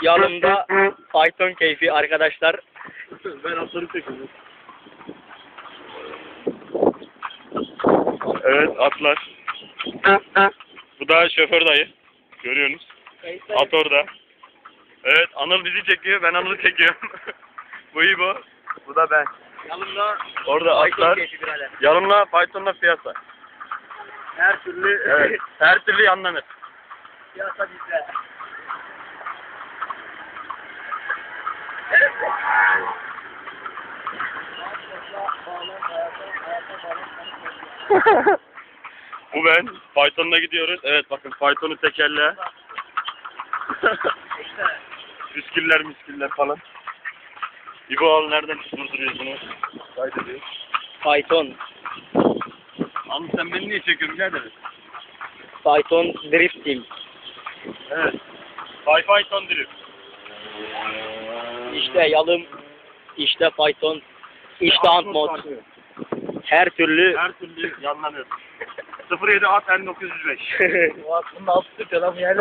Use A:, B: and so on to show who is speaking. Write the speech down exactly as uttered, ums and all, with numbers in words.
A: yanımda fayton keyfi arkadaşlar.
B: Ben atları çekiyorum. Evet atlar. Bu da şoför dayı. Görüyorsunuz. At orada. Evet Anıl bizi çekiyor. Ben Anıl'ı çekiyorum. Bu iyi bu. Bu da ben.
A: Yanımda
B: Orada
A: fayton
B: atlar.
A: keyfi birader.
B: Yanımla faytonla piyasa.
A: Her türlü
B: Evet. Her türlü yanlanır.
A: piyasa bizde.
B: Bu ben. Faytonla gidiyoruz. Evet bakın faytonu tekerle. Müskiller müskiller falan. İbo al nereden durduruyorsunuz? Kaydediyor.
A: Fayton.
B: Abi sen beni niye çekiyorsun birader?
A: Fayton drift team.
B: Evet. Fay fayton drift.
A: İşte yalım, işte fayton, işte ant mod. Her türlü
B: Her türlü yanlanır. sıfır yedi at N dokuz yüz beş.
A: Bu aslında altı Türk adam yani.